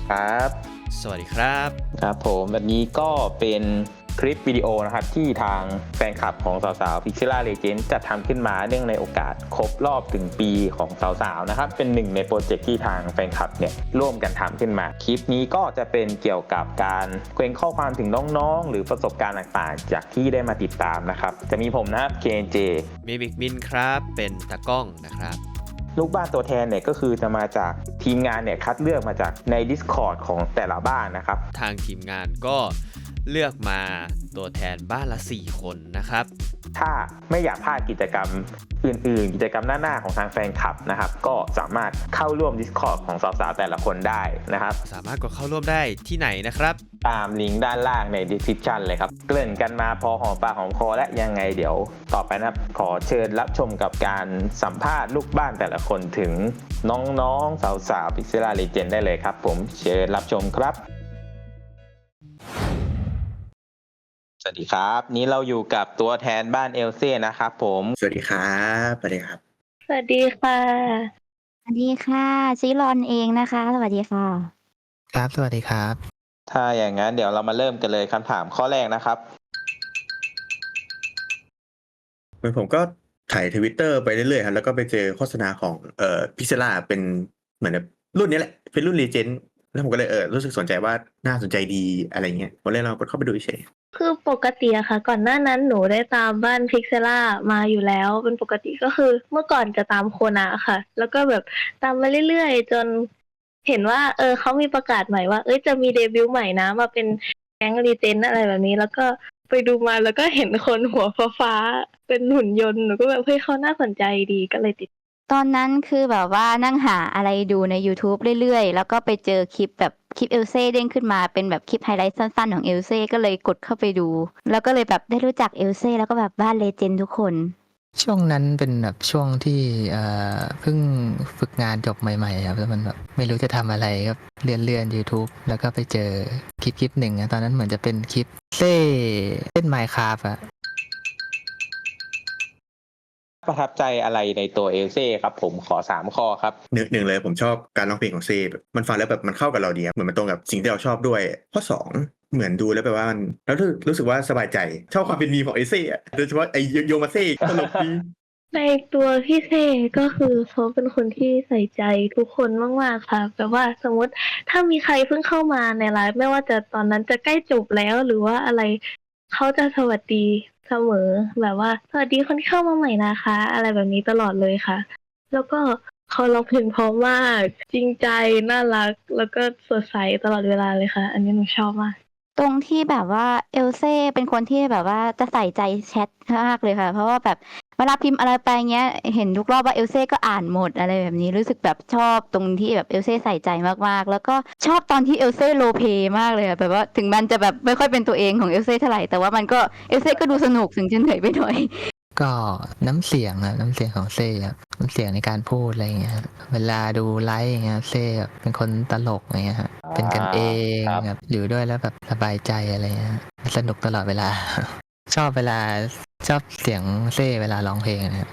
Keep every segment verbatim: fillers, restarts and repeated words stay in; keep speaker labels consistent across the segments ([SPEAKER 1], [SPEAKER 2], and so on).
[SPEAKER 1] ครับ
[SPEAKER 2] สวัสดีครับ
[SPEAKER 1] ครับผมแบบนี้ก็เป็นคลิปวิดีโอนะครับที่ทางแฟนคลับของสาวๆ Pixela Legend จัดทำขึ้นมาเนื่องในโอกาสครบรอบถึงปีของสาวๆนะครับเป็นหนึ่งในโปรเจกต์ที่ทางแฟนคลับเนี่ยร่วมกันทำขึ้นมาคลิปนี้ก็จะเป็นเกี่ยวกับการเกรงข้อความถึงน้องๆหรือประสบการณ์ต่างๆจากที่ได้มาติดตามนะครับจะมีผมนะครับ เค เอ็น เจ
[SPEAKER 2] มีบิ๊กมินครับเป็นตากล้องนะครับ
[SPEAKER 1] ลูกบ้านตัวแทนเนี่ยก็คือจะมาจากทีมงานเนี่ยคัดเลือกมาจากใน Discord ของแต่ละบ้านนะครับ
[SPEAKER 2] ทางทีมงานก็เลือกมาตัวแทนบ้านละสี่คนนะครับ
[SPEAKER 1] ถ้าไม่อยากพลาดกิจกรรมอื่นๆ กิจกรรมหน้าๆของทางแฟนคลับนะครับก็สามารถเข้าร่วม Discord ของสาวๆแต่ละคนได้นะครับ
[SPEAKER 2] สามารถกดเข้าร่วมได้ที่ไหนนะครับ
[SPEAKER 1] ตามลิงก์ด้านล่างใน description เลยครับเกริ่นกันมาพอหอมปากหอมคอและยังไงเดี๋ยวต่อไปนะครับขอเชิญรับชมกับการสัมภาษณ์ลูกบ้านแต่ละคนถึงน้องๆสาวๆ Pixela Legend ได้เลยครับผมเชิญรับชมครับสวัสดีครับนี้เราอยู่กับตัวแทนบ้านเอลเซ่นะครับผม
[SPEAKER 3] สวัสดีครับสวัสดีครับ
[SPEAKER 4] สวัสดีค่ะ
[SPEAKER 5] สวัสดีค่ะชิรอนเองนะคะสวัสดีค่ะ
[SPEAKER 6] ครับสวัสดีครับ
[SPEAKER 1] ถ้าอย่างนั้นเดี๋ยวเรามาเริ่มกันเลยคำถามข้อแรกนะครับ
[SPEAKER 3] เหมือนผมก็ถ่ายทวิตเตอร์ไปเรื่อยๆครับแล้วก็ไปเจอโฆษณาของเอ่อพิซซ่าเป็นเหมือนแบบรุ่นนี้แหละเป็นรุ่นรีเจนแล้วผมก็เลยเออรู้สึกสนใจว่าน่าสนใจดีอะไรเงี้ยผมเลยลองกดเข้าไปดูเฉย
[SPEAKER 4] คือปกติอะค่ะก่อนหน้านั้นหนูได้ตามบ้านพิกเซล่ามาอยู่แล้วเป็นปกติก็คือเมื่อก่อนจะตามโคนาค่ะแล้วก็แบบตามมาเรื่อยๆจนเห็นว่าเออเขามีประกาศใหม่ว่าเอ้ยจะมีเดบิวต์ใหม่นะมาเป็นแก๊งรีเจนอะไรแบบนี้แล้วก็ไปดูมาแล้วก็เห็นคนหัวฟ้าๆเป็นหุ่นยนต์หนูก็แบบเฮ้ยเขาน่าสนใจดีก็เลยติด
[SPEAKER 5] ตอนนั้นคือแบบว่านั่งหาอะไรดูใน YouTube เรื่อยๆแล้วก็ไปเจอคลิปแบบคลิปเอลเซ่เด้งขึ้นมาเป็นแบบคลิปไฮไลท์สั้นๆของเอลเซ่ก็เลยกดเข้าไปดูแล้วก็เลยแบบได้รู้จักเอลเซ่แล้วก็แบบบ้านเลเจนด์ทุกคน
[SPEAKER 6] ช่วงนั้นเป็นแบบช่วงที่เอ่อเพิ่งฝึกงานจบใหม่ๆครับแล้วมันแบบไม่รู้จะทำอะไรก็เลื่อนเลื่อน YouTube แล้วก็ไปเจอคลิปคลิปหนึ่งนะตอนนั้นเหมือนจะเป็นคลิปเซ่เล่น Minecraft อะ
[SPEAKER 1] ประทับใจอะไรในตัวเอลเซ่ครับผมขอสามข้อครับ
[SPEAKER 3] หนึ่งหนึ่งเลยผมชอบการร้องเพลงของเซ่แบบมันฟังแล้วแบบมันเข้ากับเราดีครับเหมือนมันตรงกับสิ่งที่เราชอบด้วยข้อสองเหมือนดูแล้วแปลว่ามันแล้วรู้รู้สึกว่าสบายใจชอบความเป็นมีมของไอเซ่อะโดยเฉพาะไอโยมาเซ่ตลกดี
[SPEAKER 4] ในตัวพี่เซก็คือเขาเป็นคนที่ใส่ใจทุกคนมากๆค่ะแบบว่าสมมติถ้ามีใครเพิ่งเข้ามาในไลฟ์ไม่ว่าจะตอนนั้นจะใกล้จบแล้วหรือว่าอะไรเขาจะสวัสดีเสมอแบบว่าสวัสดีคนที่เข้ามาใหม่นะคะอะไรแบบนี้ตลอดเลยค่ะแล้วก็เขาร้องเพลงเพราะมากจริงใจน่ารักแล้วก็สดใสตลอดเวลาเลยค่ะอันนี้หนูชอบมาก
[SPEAKER 5] ตรงที่แบบว่าเอลเซ่เป็นคนที่แบบว่าจะใส่ใจแชทมากเลยค่ะเพราะว่าแบบเวลาพิมพ์อะไรไปเงี้ยเห็นทุกรอบว่าเอลเซ่ก็อ่านหมดอะไรแบบนี้รู้สึกแบบชอบตรงที่แบบเอลเซ่ใส่ใจมากๆแล้วก็ชอบตอนที่เอลเซ่โรลเพลย์มากเลยอะแบบว่าถึงมันจะแบบไม่ค่อยเป็นตัวเองของเอลเซ่เท่าไหร่แต่ว่ามันก็เอลเซ่ก็ดูสนุกถึงจะเหนื่อยไปหน่อย
[SPEAKER 6] ก็น้ำเสียงอะน้ำเสียงของเซ่ครับน้ำเสียงในการพูดอะไรอย่างเงี้ยครับเวลาดูไลฟ์อย่างเงี้ยเซ่แบบเป็นคนตลกอย่างเงี้ยฮะเป็นกันเองแบบอยู่ด้วยแล้วแบบสบายใจอะไรเงี้ยสนุกตลอดเวลา ชอบเวลาชอบเสียงเซ่เวลาร้องเพลงนะครับ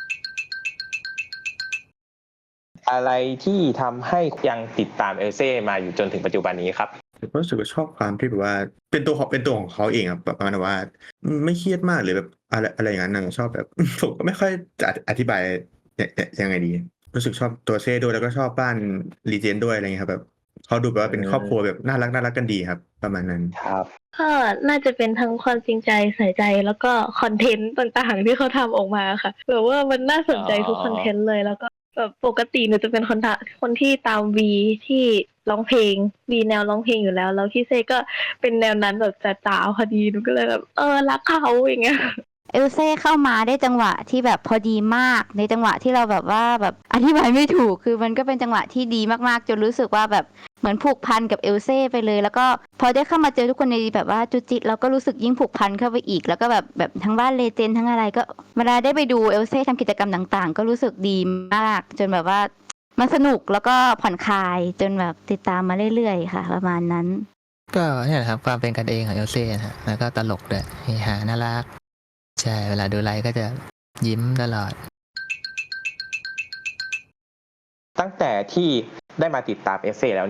[SPEAKER 1] อะไรที่ทำให้ยังติดตามเอลเซ่มาอยู่จนถึงปัจจุบันนี้ครับ
[SPEAKER 3] ผมรู้สึกว่าชอบความที่แบบว่าเป็นตัวของเป็นตัวของเขาเองอะแบบประมาณว่าไม่เครียดมากหรือแบบอะไรอะไรอย่างนั้นนะชอบแบบ ผมก็ไม่ค่อยจะอธิบายยยยังไงดีรู้สึกชอบตัวเซ่ด้วยแล้วก็ชอบบ้านรีเจนด้วยอะไรเงี้ยครับแบบเขาดูแบบว่าเป็นครอบครัวแบบน่ารักน่ารักกันดีครับประมาณนั้น
[SPEAKER 1] ครับ
[SPEAKER 4] ก็น่าจะเป็นทั้งความจริงใจใส่ใจแล้วก็คอนเทนต์ต่างๆที่เขาทำออกมาค่ะแบบว่ามันน่าสนใจทุกคอนเทนต์เลยแล้วก็แบบปกติหนูจะเป็นคนทะคนที่ตามวีที่ร้องเพลงวีแนวร้องเพลงอยู่แล้วแล้วพี่เซก็เป็นแนวนั้นแบบจ๋าๆพอดีหนูก็เลยแบบเออรักเขาอย่างเงี้ย
[SPEAKER 5] เอลเซ่เข้ามาได้จังหวะที่แบบพอดีมากในจังหวะที่เราแบบว่าแบบอธิบายไม่ถูกคือมันก็เป็นจังหวะที่ดีมากๆจนรู้สึกว่าแบบเหมือนผูกพันกับเอลเซ่ไปเลยแล้วก็พอได้เข้ามาเจอทุกคนในแบบว่าจุจิเราก็รู้สึกยิ่งผูกพันเข้าไปอีกแล้วก็แบบแบบทั้งบ้านเลเจนด์ทั้งอะไรก็เวลาได้ไปดูเอลเซ่ทำกิจกรรมต่างๆก็รู้สึกดีมากจนแบบว่ามันสนุกแล้วก็ผ่อนคลายจนแบบติดตามมาเรื่อยๆค่ะประมาณนั้น
[SPEAKER 6] ก็เนี่ยแหละครับความเป็นกันเองของเอลเซ่นะฮะแล้วก็ตลกด้วยเฮฮาน่ารักใช่เวลาดูไลฟ์ก็จะยิ้มตลอด
[SPEAKER 1] ตั้งแต่ที่ได้มาติดตามเอลเซ่แล้วเนี่ย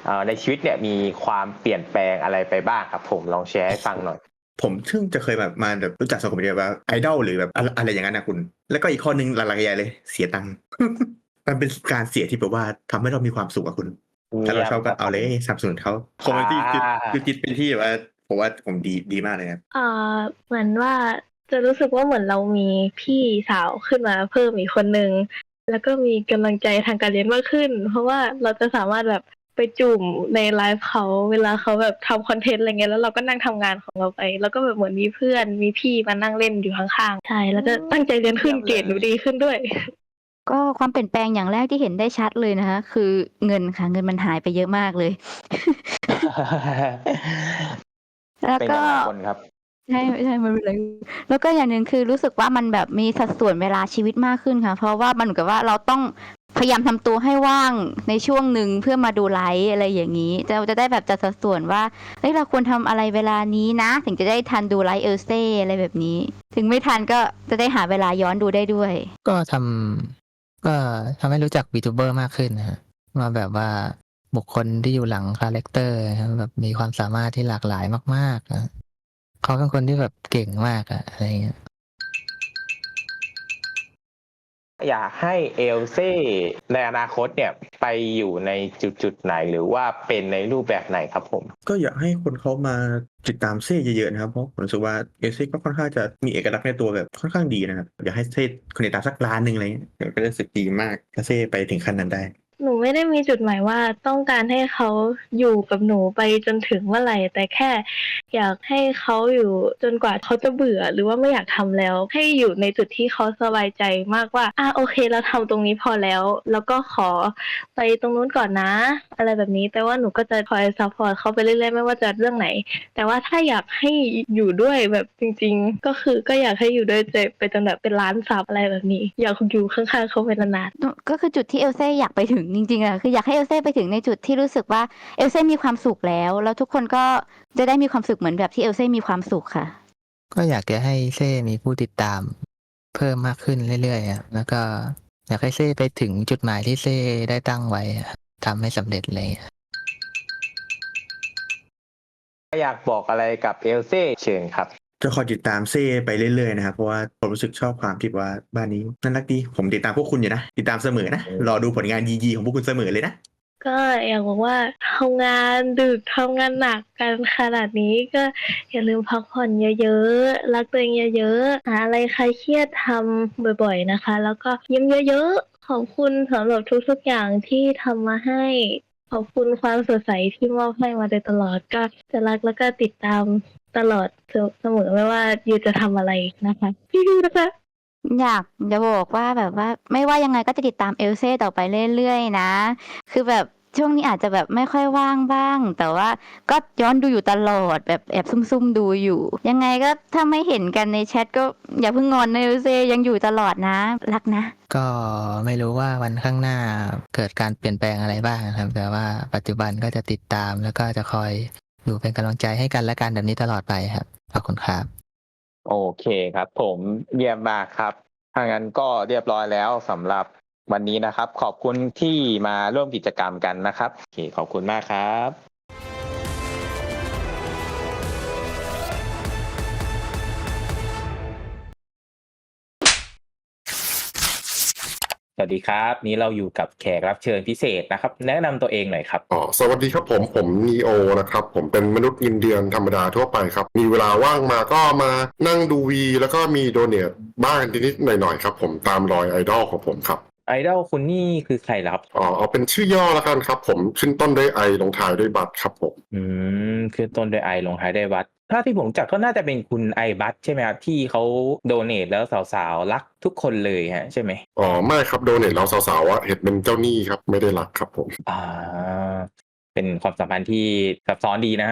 [SPEAKER 1] เอ่อในชีวิตเนี่ยมีความเปลี่ยนแปลงอะไรไปบ้างครับผมลองแชร์ให้ฟังหน่อย
[SPEAKER 3] ผมซึ่งจะเคยแบบมาแบบรู้จักสังคมเดียวว่าไอดอลหรือแบบอะไรอะไรอย่างนั้นนะคุณ แล้วก็อีกข้อหนึงหลักๆใหญ่เลยเสียตังค์ มันเป็นการเสียที่แบบว่าทำให้เรามีความสุขอะคุณ ถ้าเราชอบก็เอาเลยสนับสนุนเขาคอมเมดี้คือคือคิดเป็นที่แบบว่าผมว่าผมดีดีมากเลยครับ
[SPEAKER 4] อ่าเหมือนว่าจะรู้สึกว่าเหมือนเรามีพี่สาวขึ้นมาเพิ่มอีกคนนึงแล้วก็มีกำลังใจทางการเรียนมากขึ้น เพราะว่าเราจะสามารถแบบไปจุ่มในไลฟ์เขาเวลาเขาแบบทำคอนเทนต์อะไรเงี้ยแล้วเราก็นั่งทำงานของเราไป แล้วก็แบบเหมือนมีเพื่อนมีพี่มานั่งเล่นอยู่ข้างๆใช่แล้วก็ตั้งใจเรียนขึ้นเกรดหนูดีขึ้นด้วย
[SPEAKER 5] ก็ความเปลี่ยนแปลงอย่างแรกที่เห็นได้ชัดเลยนะคะคือเงินค่ะเงินมันหายไปเยอะมากเลย แล้ว
[SPEAKER 1] เป็น
[SPEAKER 5] ก็
[SPEAKER 1] กันหลายคนครับ
[SPEAKER 5] ใช่ใช่มันเป็นอะไรแล้วก็อย่างหนึ่งคือรู้สึกว่ามันแบบมีสัดส่วนเวลาชีวิตมากขึ้นค่ะ เพราะว่ามันเหมือนกับว่าเราต้องพยายามทำตัวให้ว่างในช่วงหนึ่งเพื่อมาดูไลฟ์อะไรอย่างนี้เราจะได้แบบจัดสัดส่วนว่าเฮ้ยเราควรทำอะไรเวลานี้นะ ถึงจะได้ทันดูไลฟ์เอลเซ่อะไรแบบนี้ ถึงไม่ทันก็จะได้หาเวลาย้อนดูได้ด้วย
[SPEAKER 6] ก็ทำก็ทำให้รู้จักวีทูเบอร์มากขึ้นนะฮะว่าแบบว่าบุคคลที่อยู่หลังคาแรคเตอร์นะครับแบบมีความสามารถที่หลากหลายมากๆนะเขาเป็นคนที่แบบเก่งมากอะอะไรเงี้ย
[SPEAKER 1] อยากให้เอลเซ่ในอนาคตเนี่ยไปอยู่ในจุดจุดๆไหนหรือว่าเป็นในรูปแบบไหนครับผม
[SPEAKER 3] ก็อยากให้คนเขามาติดตามเซ่เยอะๆนะครับเพราะผมรู้สึกว่าเอเซ่ก็ค่อนข้างจะมีเอกลักษณ์ในตัวแบบค่อนข้างดีนะครับอยากให้เซ่คนติดตามสักล้านหนึ่งอะไรเงี้ยก็จะรู้สึกดีมากถ้าเซ่ไปถึงขั้นนั้นได้
[SPEAKER 4] หนูไม่ได้มีจุดหมายว่าต้องการให้เขาอยู่กับหนูไปจนถึงเมื่อไหร่ แต่แค่อยากให้เขาอยู่จนกว่าเขาจะเบื่อหรือว่าไม่อยากทำแล้ว ให้อยู่ในจุดที่เขาสบายใจมากว่าอ่ะโอเคเราทำตรงนี้พอแล้ว แล้วก็ขอไปตรงนู้นก่อนนะ อะไรแบบนี้แต่ว่าหนูก็จะคอยซัพพอร์ตเขาไปเรื่อยๆไม่ว่าจะเรื่องไหน แต่ว่าถ้าอยากให้อยู่ด้วยแบบจริงๆ ก็คือก็อยากให้อยู่ด้วยไปจนแบบเป็นล้านซับอะไรแบบนี้ อยากอยู่ข้างๆเขาไปนานๆ
[SPEAKER 5] ก็คือจุดที่เอลเซ่อยากไปถึงจริงๆอะคืออยากให้เอลเซ่ไปถึงในจุดที่รู้สึกว่าเอลเซ่มีความสุขแล้ว แล้วทุกคนก็จะได้มีความสุขเหมือนแบบที่เอลเซ่มีความสุขค่ะ
[SPEAKER 6] ก็อยากจะให้เซ่มีผู้ติดตามเพิ่มมากขึ้นเรื่อยๆอะแล้วก็อยากให้เซ่ไปถึงจุดหมายที่เซ่ได้ตั้งไว้อะทำให้สำเร็จเลย
[SPEAKER 1] อยากบอกอะไรกับเอลเซ่เชิญครับ
[SPEAKER 3] จะคอยติดตามเซ่ไปเรื่อยๆนะครับเพราะว่าผมรู้สึกชอบความที่ว่าบ้านนี้น่ารักดีผมติดตามพวกคุณอยู่นะติดตามเสมอนะรอดูผลงานยีๆของพวกคุณเสมอเลยนะ
[SPEAKER 4] ก็อยากบอกว่าทำงานดึกทำงานหนักกันขนาดนี้ก็อย่าลืมพักผ่อนเยอะๆรักตัวเองเยอะๆหาอะไรคลายเครียดทำบ่อยๆนะคะ แล้วก็ยิ้มเยอะๆขอบคุณสำหรับทุกๆอย่างที่ทำมาให้ ขอบคุณความสดใสที่มอบให้มาโดยตลอดก็จะรักแล้วก็ติดตามตลอดเสมอไม่ว่ายูจะทำอะไรนะคะพี่ๆนะคะ
[SPEAKER 5] อยากจะบอกว่าแบบว่าไม่ว่ายังไงก็จะติดตามเอลเซ่ต่อไปเรื่อยๆนะ คือแบบช่วงนี้อาจจะแบบไม่ค่อยว่างบ้าง แต่ว่าก็ย้อนดูอยู่ตลอดแบบแอบซุ่มๆดูอยู่ ยังไงก็ถ้าไม่เห็นกันในแชทก็อย่าเพิ่งงอนนะเอลเซ่ยังอยู่ตลอดนะ รักนะ
[SPEAKER 6] ก็ไม่รู้ว่าวันข้างหน้าเกิดการเปลี่ยนแปลงอะไรบ้างนะครับ แต่ว่าปัจจุบันก็จะติดตามแล้วก็จะคอยอยู่เป็นกำลังใจให้กันและกันแบบนี้ตลอดไปครับขอบคุณครับ
[SPEAKER 1] โอเคครับผมเยี่ยมมากครับถ้างั้นก็เรียบร้อยแล้วสำหรับวันนี้นะครับ ขอบคุณที่มาร่วมกิจกรรมกันนะครับโอเคขอบคุณมากครับ สวัสดีครับนี้เราอยู่กับแขกรับเชิญพิเศษนะครับ แนะนำตัวเองหน่อยครับ
[SPEAKER 7] อ๋อสวัสดีครับผมผมนีโอนะครับผมเป็นมนุษย์เงินเดือนธรรมดาทั่วไปครับมีเวลาว่างมาก็มานั่งดูวีแล้วก็มีโดเนทบ้างนิดๆหน่อยๆครับผมตามรอยไอดอลของผมครับ
[SPEAKER 1] ไอดอลคุณนี่คือใครล่ะครับ
[SPEAKER 7] อ๋อเอาเป็นชื่อย่อแล้วกันครับผมขึ้นต้นด้วยไอลงท้ายด้วยบัตครับผม
[SPEAKER 1] อืมคือต้นด้วยไอลงท้ายด้วยวัดถ้าที่ผมรู้จักก็น่าจะเป็นคุณไอบัตใช่ไหมครับที่เขาโดเนทแล้วสาวๆรักทุกคนเลยฮะใช่ไหม
[SPEAKER 7] อ๋อไม่ครับโดเนทแล้วสาวๆอะเห็นเป็นเจ้าหนี้ครับไม่ได้รักครับผม
[SPEAKER 1] อ่า เป็นความสัมพันธ์ที่ซับซ้อนดีนะครับ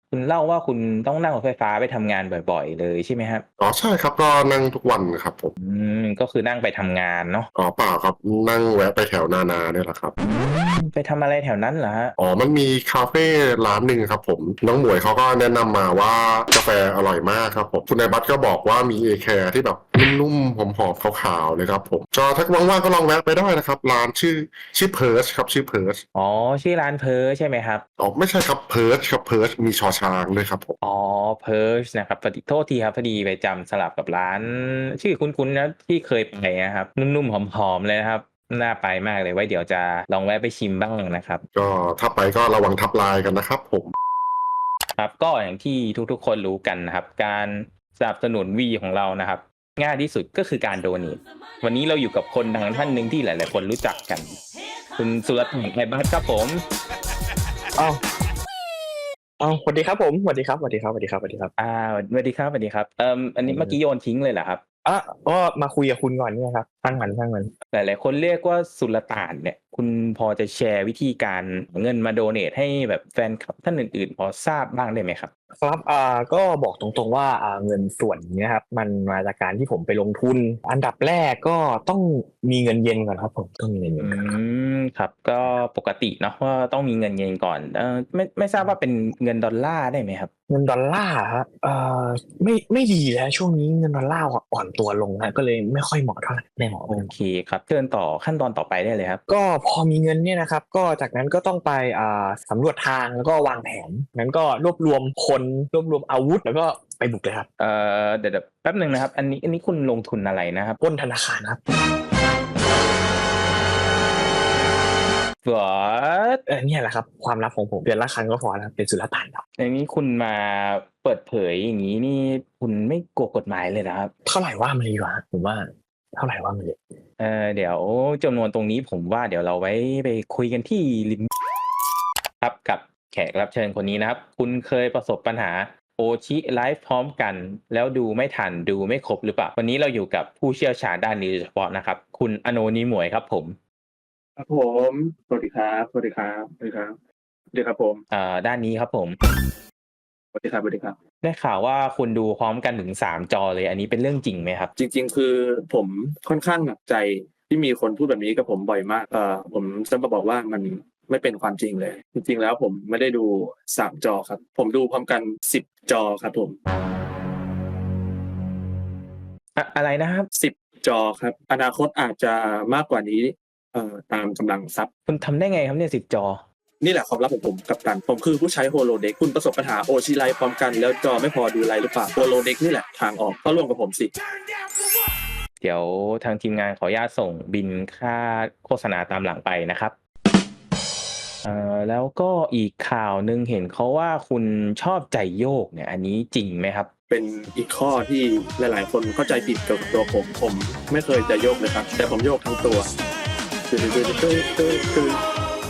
[SPEAKER 1] คุณเล่าว่าคุณต้องนั่งรถไฟฟ้าไปทำงานบ่อย ๆ เลยใช่ไหมครับ?
[SPEAKER 7] อ๋อ ใช่ครับ ก็นั่งทุกวันครับผม
[SPEAKER 1] อืม ก็คือนั่งไปทำงานเนาะ
[SPEAKER 7] อ๋อ เปล่าครับ นั่งแวะไปแถวนานาเนี่ยแหละครับ
[SPEAKER 1] อืม ไปทำอะไรแถวนั้นเหรอครับ?
[SPEAKER 7] อ๋อ มันมีคาเฟร้านหนึ่งครับผม น้องหมวยเขาก็แนะนำมาว่ากาแฟอร่อยมากครับผม คุณนายบัสก็บอกว่ามี เอ แคร์ ที่แบบนุ่ม ๆ หอม ๆ ขาว ๆ เลยครับผม ก็ถ้าว่าง ๆ ก็ลองแวะไปได้นะครับ ร้านชื่อ ชื่อ Perch ครับ ชื่อ Perch
[SPEAKER 1] อ๋อ ชื่อร้าน Perch ใช่ไหมครับ?
[SPEAKER 7] อ๋อ ไม่ใช่ครับ Perch ครับ Perch มี ช.ช้าง ด้วยครับผม
[SPEAKER 1] อ๋อ Perch นะครับ พอดี โทษทีครับ พอดีไปจำสลับกับร้านชื่อคุ้น ๆ นะ ที่เคยไปนะครับ นุ่ม ๆ หอม ๆ เลยนะครับ น่าไปมากเลย ไว้เดี๋ยวจะลองแวะไปชิมบ้างนะครับ
[SPEAKER 7] ก็ถ้าไปก็ระวังทับลายกันนะครับผม
[SPEAKER 1] ครับ ก็อย่างที่ทุก ๆ คนรู้กันนะครับ การสนับสนุน V ของเรานะครับ ง่ายที่สุดก็คือการ donate วันนี้เราอยู่กับคนดังท่านหนึ่งที่หลาย ๆ คนรู้จักกัน คุณสุรศักดิ์ ไพบัสครับผม
[SPEAKER 8] อ้าว อ้าว สวัสดีครับผม สวัสดีครับ สวัสดีครับ สวัสดีครับ สวัสดีครับ
[SPEAKER 1] อา สวัสดีครับ สวัสดีครับ เอ่อ อันนี้เมื่อกี้โยนทิ้งเลยเหรอครับ?
[SPEAKER 8] อา ก็มาคุยกับคุณก่อนเนี่ยครับ ช่างมัน ช่างมัน
[SPEAKER 1] หลาย ๆ คนเรียกว่าสุลต่านเนี่ย คุณพอจะแชร์วิธีการเอาเงินมา donate ให้แบบแฟนคลับท่านอื่น ๆ พอทราบบ้างได้ไหมครับ?
[SPEAKER 8] ครับ อ่า ก็บอกตรง ๆ ว่า อ่า เงินส่วนนี้นะครับ มันมาจากการที่ผมไปลงทุน อันดับแรกก็ต้องมีเงินเย็นก่อนครับผม ต้องมีเงินเย็
[SPEAKER 1] อื
[SPEAKER 8] นก่อนครับ
[SPEAKER 1] ม ครับ ก็ปกติเนาะว่าต้องมีเงินเย็นก่อน เอ่อ ไม่ ไม่ทราบว่าเป็นเงินดอลลาร์ได้ไหมครับ?
[SPEAKER 8] เงินดอลลาร์อะครับ เอ่อ ไม่ ไม่ดีเลยครับ ช่วงนี้เงินดอลลาร์อะอ่อนตัวลงครับ ก็เลยไม่ค่อยเหมาะเท่าไร ไม่เหมาะ
[SPEAKER 1] โอเคครับ เชิญต่อขั้นตอนต่อไปได้เลยครับ
[SPEAKER 8] ก็พอมีเงินเนี่ยนะครับ ก็จากนั้นก็ต้องไป อ่า สำรวจทางแล้วก็วางแผน งั้นก็รวบรวมคน รวบรวมอาวุธ แล้วก็ไปบุกเลยครับ
[SPEAKER 1] เอ่อ เดี๋ยว ๆ แป๊บหนึ่งนะครับ อันนี้ อันนี้คุณลงทุนอะไรนะครับ?
[SPEAKER 8] ปล้นธนาคารครับ
[SPEAKER 1] What?
[SPEAKER 8] เออ เนี่ยแหละครับ ความลับของผม เดือนละครั้งก็พอแล้ว เป็นสุลต่านครับ
[SPEAKER 1] อย่างงี้คุณมาเปิดเผยอย่างงี้นี่ คุณไม่กลัวกฎหมายเลยเหรอครับ?
[SPEAKER 8] เท่าไรว่ามาเลยดีกว่าครับ ผมว่า เท่าไรว่ามาเลย
[SPEAKER 1] เอ่อ เดี๋ยวจำนวนตรงนี้ผมว่าเดี๋ยวเราไว้ไปคุยกันที่ริม ครับ กับแขกรับเชิญคนนี้นะครับ คุณเคยประสบปัญหาโอชิไลฟ์พร้อมกัน แล้วดูไม่ทัน ดูไม่ครบหรือเปล่า? วันนี้เราอยู่กับผู้เชี่ยวชาญด้านนี้โดยเฉพาะนะครับ คุณอโนนิหมวยครับผม
[SPEAKER 9] ครับผม สวัสดีครับ สวัสดีครับ สวัสดีครับ สวัสดีครับผม
[SPEAKER 1] อ่า ด้านนี้ครับผม
[SPEAKER 9] สวัสดีครับ สวัสดีครับ
[SPEAKER 1] ได้ข่าวว่าคุณดูพร้อมกันถึง สาม จอเลย อันนี้เป็นเรื่องจริงไหมครับ?
[SPEAKER 9] จริง ๆ คือผมค่อนข้างหนักใจที่มีคนพูดแบบนี้กับผมบ่อยมาก เอ่อ ผมจะมาบอกว่ามันไม่เป็นความจริงเลย จริง ๆ แล้วผมไม่ได้ดู สาม จอครับ ผมดูพร้อมกัน สิบ จอครับผม
[SPEAKER 1] อะ อะไรนะครับ?
[SPEAKER 9] สิบ จอครับ อนาคตอาจจะมากกว่านี้ เอ่อ ตามกำลังทรัพย์
[SPEAKER 1] คุณทำได้ไงครับเนี่ย สิบ จอ?
[SPEAKER 9] นี่แหละความลับของผม กัปตัน ผมคือผู้ใช้ Holodeck คุณประสบปัญหาโอชิไลฟ์พร้อมกัน แล้วจอไม่พอดูไลฟ์หรือเปล่า? Holodeck นี่แหละทางออก เข้าร่วมกับผมสิ
[SPEAKER 1] เดี๋ยวทางทีมงานขออนุญาตส่งบิลค่าโฆษณาตามหลังไปนะครับ เอ่อ แล้วก็อีกข่าวหนึ่งเห็นเขาว่าคุณชอบใจโยกเนี่ย อันนี้จริงไหมครับ?
[SPEAKER 9] เป็นอีกข้อที่หลาย ๆ คนเข้าใจผิดเกี่ยวกับตัวผม ผมไม่เคยจะโยกเลยครับ แต่ผมโยกทั้งตัว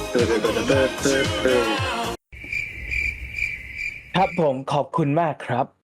[SPEAKER 1] ครับผม ขอบคุณมากครับ